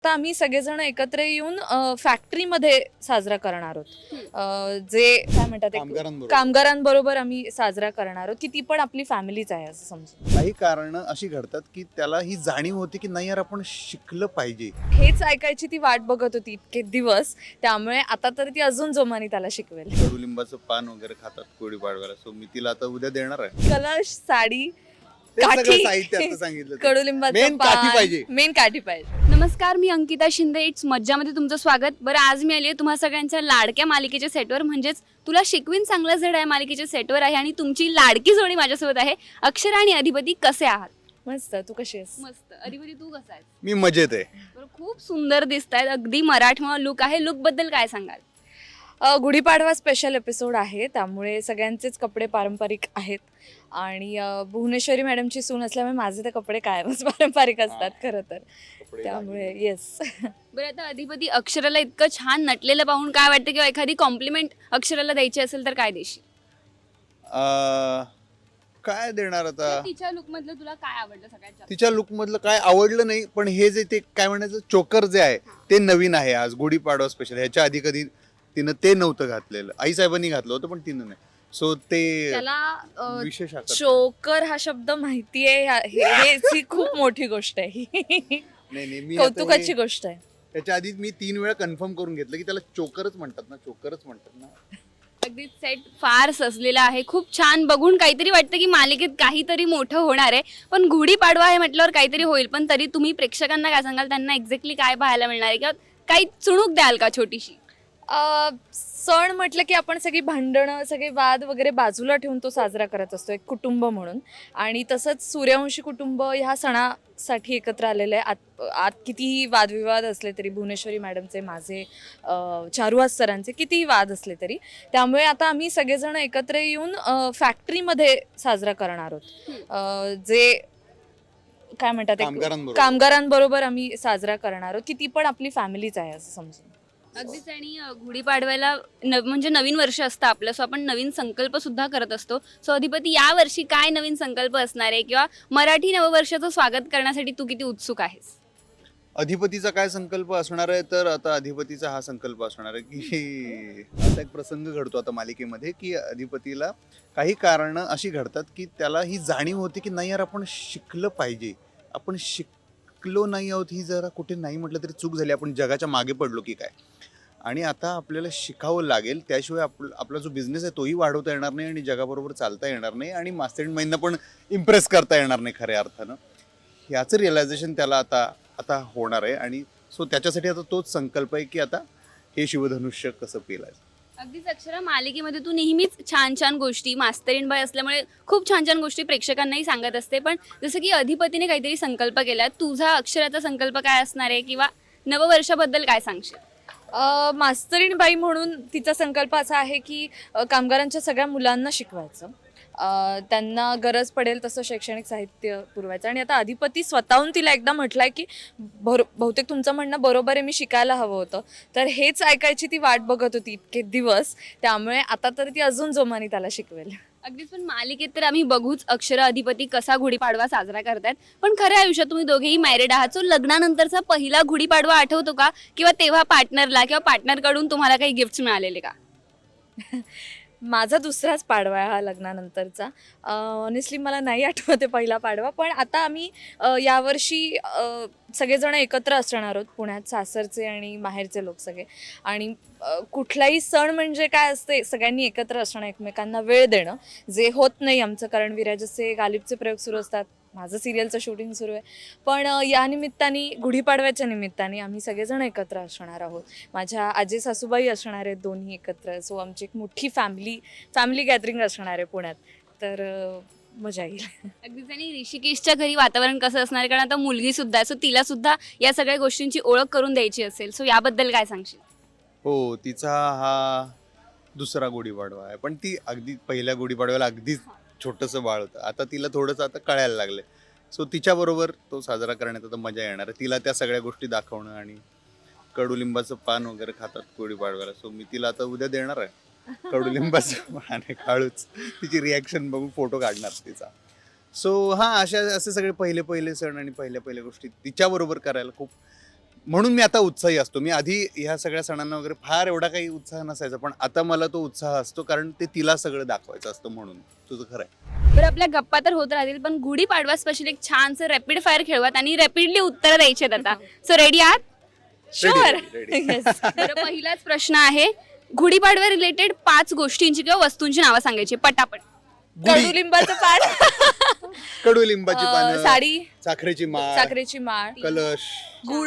तर आम्ही सगळेजण एकत्र येऊन फॅक्टरीमध्ये साजरा करणार आहोत. जे काय म्हणतात कामगारांबरोबर आम्ही साजरा करणार आहोत की ती पण आपली फॅमिलीच आहे असं समजून. काही कारण अशी घडतात की त्याला ही जाणीव होती की नाही यार आपण शिकलं पाहिजे. हेच ऐकायची ती वाट बघत होती इतके दिवस, त्यामुळे आता तर ती अजून जोमाने त्याला शिकवेल. कडुलिंबाचं पान वगैरे खातात गुढीपाडव्याला, सो मी तिला आता उद्या देणार आहे. कलश, साडी, ते सगळं काठी, साहित्य आता सांगितलं ते. कडुलिंबाचं Main काठी पान, पाहिजे. मेन काठी पाहिजे. नमस्कार, मी अंकिता शिंदे. इट्स मज्जामध्ये तुमचं स्वागत. बरं, आज मी आली आहे तुम्हा सगळ्यांच्या लाडक्या मालिकेच्या सेटवर, म्हणजेच तुला शिकवीन चांगलं जड आहे मालिकेच्या सेटवर आहे आणि तुमची लाडकी जोडी माझ्यासोबत आहे. अक्षरा आणि अधिपती कसे आहात? मस्त. तू कशी आहेस? मस्त. अधिपती तू कसा आहेस? मी मजेत आहे. बरं, खूप सुंदर दिसत आहेत. अगदी मराठमोळा लुक आहे. लुक बद्दल काय सांगाल? गुढीपाडवा स्पेशल एपिसोड आहे, त्यामुळे सगळ्यांचेच कपडे पारंपरिक आहेत आणि भुवनेश्वरी मॅडमची सून असल्यामुळे माझे ते कपडे कायमच पारंपरिक असतात खरं तर, त्यामुळे येस. बरं, आता अधिपती अक्षराला इतकं छान नटलेलं पाहून काय वाटतं, किंवा एखादी कॉम्प्लिमेंट अक्षराला द्यायची असेल तर काय देशील? काय देणार आता. तिच्या लुक मधलं तुला काय आवडलं सगळ्यात जास्त? तिच्या लुक मधलं काय आवडलं नाही, पण हे जे ते काय म्हणायचं चोकर जे आहे ते नवीन आहे आज गुढीपाडवा स्पेशल. ह्याच्या आधी कधी तिनं ते नव्हतं घातलेलं. आई साहेबांनी घातलं होतं पण तिनं नाही, सो ते त्याला विशेष आकर्षण. चोकर हा शब्द माहितीये, ही खूप मोठी गोष्ट आहे. नाही नाही, मी आता कौतुकाची हे- गोष्ट आहे. त्याच्या आधी मी 3 वेळा कन्फर्म करून घेतलं की त्याला चोकरच म्हणतात ना, चोकरच म्हणतात ना. अगदी सेट फार सजलेला आहे. खूप छान. बघून काहीतरी वाटतं की मालिकेत काहीतरी मोठं होणार आहे. पण गुढीपाडवा आहे म्हटल्यावर काहीतरी होईल. पण तरी तुम्ही प्रेक्षकांना काय सांगाल? त्यांना एक्झॅक्टली काय पाहायला मिळणार आहे, किंवा काही चुणूक द्याल का छोटीशी? सण म्हटलं की आपण सगळी भांडणं, सगळे वाद वगैरे बाजूला ठेवून तो साजरा करत असतो एक कुटुंब म्हणून. आणि तसंच सूर्यवंशी कुटुंब ह्या सणासाठी एकत्र आलेलं आहे. आत कितीही वादविवाद असले तरी, भुवनेश्वरी मॅडमचे, माझे, चारुहास सरांचे कितीही वाद असले तरी, त्यामुळे आता आम्ही सगळेजण एकत्र येऊन फॅक्टरीमध्ये साजरा करणार आहोत. जे काय म्हणतात कामगारांबरोबर आम्ही साजरा करणार आहोत की ती पण आपली फॅमिलीच आहे असं समजून. अगदीच. आणि गुढीपाडव्याला म्हणजे नवीन वर्ष असतं आपलं, सो आपण नवीन संकल्प सुद्धा करत असतो. सो अधिपती, या वर्षी काय नवीन संकल्प असणार आहे, किंवा मराठी नववर्षाचं स्वागत करण्यासाठी तू किती उत्सुक आहेस? अधिपतीचा काय संकल्प असणार आहे, तर आता अधिपतीचा हा संकल्प असणार आहे की असा एक प्रसंग घडतो आता मालिकेमध्ये की अधिपतीला काही कारणं अशी घडतात की त्याला ही जाणीव होती की नाही यार आपण शिकलं पाहिजे. आपण शिकलो नाही आहोत, ही जरा कुठे नाही म्हटलं तरी चूक झाली, आपण जगाच्या मागे पडलो की काय. आणि आता आपल्याला शिकावं लागेल, त्याशिवाय आपला जो बिझनेस आहे तोही वाढवता येणार नाही आणि जगाबरोबर चालता येणार नाही आणि मास्टरमाइंडना पण इम्प्रेस करता येणार नाही खऱ्या अर्थानं. याचं रिअलायझेशन त्याला आता आता होणार आहे. आणि सो त्याच्यासाठी आता तोच संकल्प आहे की आता हे शिवधनुष्य कसं पेलायचं. अगदीच. अक्षरा, मालिकेमध्ये तू नेहमीच छान छान गोष्टी, मास्तरीण बाई असल्यामुळे खूप छान छान गोष्टी प्रेक्षकांनाही सांगत असते. पण जसं की अधिपतीने काहीतरी संकल्प केला, तुझा अक्षराचा संकल्प काय असणार आहे, किंवा नववर्षाबद्दल काय सांगशील? मास्तरीण बाई म्हणून तिचा संकल्प असा आहे की कामगारांच्या सगळ्या मुलांना शिकवायचं, त्यांना गरज पडेल तसं शैक्षणिक साहित्य पुरवायचं. आणि आता अधिपती स्वतःहून तिला एकदा म्हटलंय की बहुतेक तुमचं म्हणणं बरोबर आहे, मी शिकायला हवं होतं. तर हेच ऐकायची ती वाट बघत होती इतके दिवस, त्यामुळे आता तर ती अजून जोमाने त्याला शिकवेल. अगदीच. पण मालिकेत तर आम्ही बघूच अक्षरा अधिपती कसा गुढीपाडवा साजरा करतायत, पण खऱ्या आयुष्यात तुम्ही दोघेही मॅरिड आहात. सो लग्नानंतरचा पहिला गुढीपाडवा आठवतो का, किंवा तेव्हा पार्टनरला किंवा पार्टनरकडून तुम्हाला काही गिफ्ट्स मिळालेले का? माझा दुसराच पाडवा आहे हा लग्नानंतरचा. ऑनेस्टली मला नाही आठवते पहिला पाडवा, पण आता आम्ही यावर्षी सगळेजण एकत्र असणार आहोत पुण्यात, सासरचे आणि माहेरचे लोक सगळे. आणि कुठलाही सण म्हणजे काय असते, सगळ्यांनी एकत्र असणं, एकमेकांना वेळ देणं, जे होत नाही आमचं, कारण विराजचे गालिबचे प्रयोग सुरू असतात, माझं सिरियलचं शूटिंग सुरू आहे. पण या निमित्ताने, गुढीपाडव्याच्या निमित्ताने आम्ही सगळेजण एकत्र असणार आहोत. माझ्या आजी सासूबाई असणार आहेत दोन्ही एकत्र. सो आमची एक मोठी फॅमिली गॅदरिंग असणार आहे पुण्यात, तर मजा येईल. अगदीच. आणि ऋषिकेशच्या घरी वातावरण कसं असणार आहे, कारण आता मुलगी सुद्धा आहे, सो तिला सुद्धा या सगळ्या गोष्टींची ओळख करून द्यायची असेल. सो याबद्दल काय सांगशील? हो, तिचा हा दुसरा गुढीपाडवा आहे, पण ती अगदी पहिल्या गुढीपाडव्याला अगदीच छोटंसं बाळ होतं. आता तिला थोडंसं आता कळायला लागलं, सो तिच्याबरोबर तो साजरा करण्यात आता मजा येणार आहे. तिला त्या सगळ्या गोष्टी दाखवणं, आणि कडुलिंबाचं पान वगैरे खातात गुढीपाडव्याला, सो मी तिला आता उद्या देणार आहे कडुलिंबाचं पान आणि काळूच. तिची रिॲक्शन बघून फोटो काढणार तिचा. सो हां, असे सगळे पहिले सण आणि पहिल्या गोष्टी तिच्याबरोबर करायला खूप म्हणून मी आता उत्साही असतो. मी आधी ह्या सगळ्या सणांना वगैरे फार एवढा काही उत्साह नसायचा, पण आता मला तो उत्साह असतो कारण ते तिला सगळं दाखवायचं असतं म्हणून. तुझं खरं आहे. बरं आपल्या गप्पा तर होत राहतील पण गुढीपाडवा स्पेशल एक छानसं रॅपिड फायर खेळवत आणि रॅपिडली उत्तर द्यायची आहेत आता. सो रेडी आहात? Sure ready. तर पहिलाच प्रश्न आहे गुढीपाडव्या रिलेटेड 5 गोष्टींची किंवा वस्तूंची नावं सांगायची पटापट. गुढी, कडुलिंबाचं पान, कडुलिंबाची पानं, साडी, साखरेची माळ, साखरेची माळ, कलश, गुळ,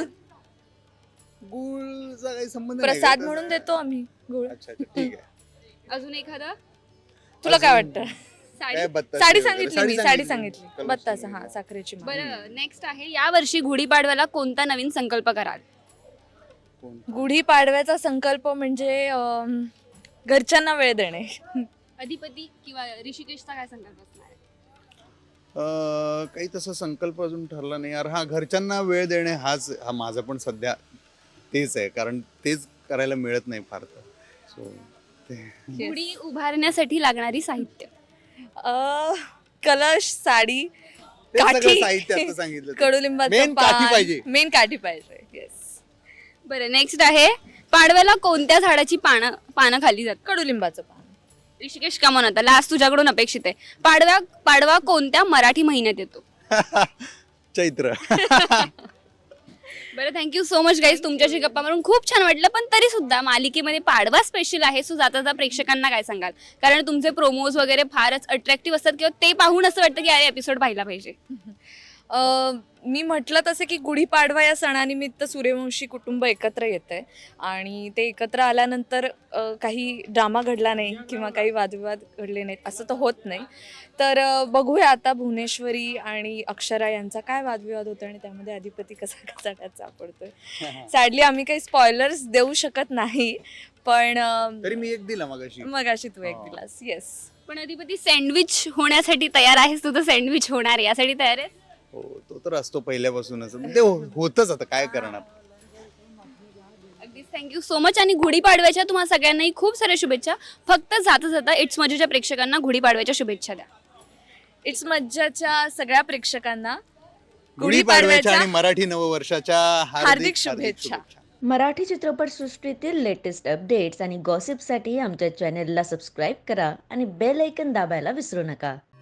गुळचा काही संबंध नाही प्रसाद का? म्हणून देतो आम्ही गुळ. अच्छा अच्छा, ठीक आहे. अजून एखादं? तुला काय वाटतं? साडी. काय बत्तासे साडी वगैरे? सांगितली मी, साडी सांगितली. कलश बत्तासा, वगैरे. हा, साखरेची माळ. बरं नेक्स्ट आहे या वर्षी गुढीपाडव्याला कोणता नवीन संकल्प कराल? कोण? गुढी पाडव्याचा संकल्प म्हणजे घरच्यांना वेळ देणे. अधिपती किंवा ऋषिकेशचा काय संकल्प असणार आहे? काही तसा संकल्प अजून ठरला नाही यार. हा, घरच्यांना वेळ देणे हा माझा पण सध्या तेच आहे, कारण तेच करायला मिळत नाही फार तर. So Yes. गुढी उभारण्यासाठी लागणारी साहित्य. कलश, साडी, ते सगळं काठी, साहित्य आता सांगितलं ते. कडुलिंबाचं Main काठी पाहिजे. मेन काठी पाहिजे. येस, बरं नेक्स्ट आहे पाडव्याला कोणत्या झाडाची पानं खाली जातात? कडुलिंबाचं पान. ऋषिकेश का म्हणता लास्ट तुझ्याकडून अपेक्षित आहे. पाडवा कोणत्या मराठी महिन्यात येतो? चैत्र. बरं थँक्यू सो मच गाईज तुमच्याशी गप्पा मारून खूप छान वाटलं पण तरी सुद्धा मालिकेमध्ये पाडवा स्पेशल आहे सो जाता जाता प्रेक्षकांना काय सांगाल कारण तुमचे प्रोमोज वगैरे फारच अट्रॅक्टिव्ह असतात किंवा ते पाहून असं वाटतं की अरे एपिसोड पाहिला पाहिजे. मी म्हटलं तसं की गुढीपाडवा या सणानिमित्त सूर्यवंशी कुटुंब एकत्र येतंय आणि ते एकत्र आल्यानंतर काही ड्रामा घडला नाही किंवा काही वादविवाद घडले नाहीत असं तर होत नाही. तर बघूया आता भुवनेश्वरी आणि अक्षरा यांचा काय वादविवाद होतो आणि त्यामध्ये अधिपती कसा कचाट्यात सापडतोय. सॅडली आम्ही काही स्पॉयलर्स देऊ शकत नाही पण तरी मी एक दिला मगाशी तू एक दिलास. येस, पण अधिपती सँडविच होण्यासाठी तयार आहेस तू तर सँडविच होणार आहे यासाठी तयार आहे? हो, तो तर असतो पहिल्यापासूनच. ते होतच आता काय करणार. अगदीच थँक्यू सो मच आणि गुढीपाडव्याच्या तुम्हाला सगळ्यांनाही खूप साऱ्या शुभेच्छा. फक्त जाता जाता इट्स मजेच्या प्रेक्षकांना गुढीपाडव्याच्या शुभेच्छा द्या. इट्स मज्जाच्या सगळ्या प्रेक्षकांना गुढीपाडव्याच्या आणि मराठी नववर्षाच्या हार्दिक शुभेच्छा. मराठी चित्रपटसृष्टीतील लेटेस्ट अपडेट्स आणि गॉसिपसाठी आमच्या चॅनेलला सबस्क्राईब करा आणि बेल ऐकन दाबायला विसरू नका.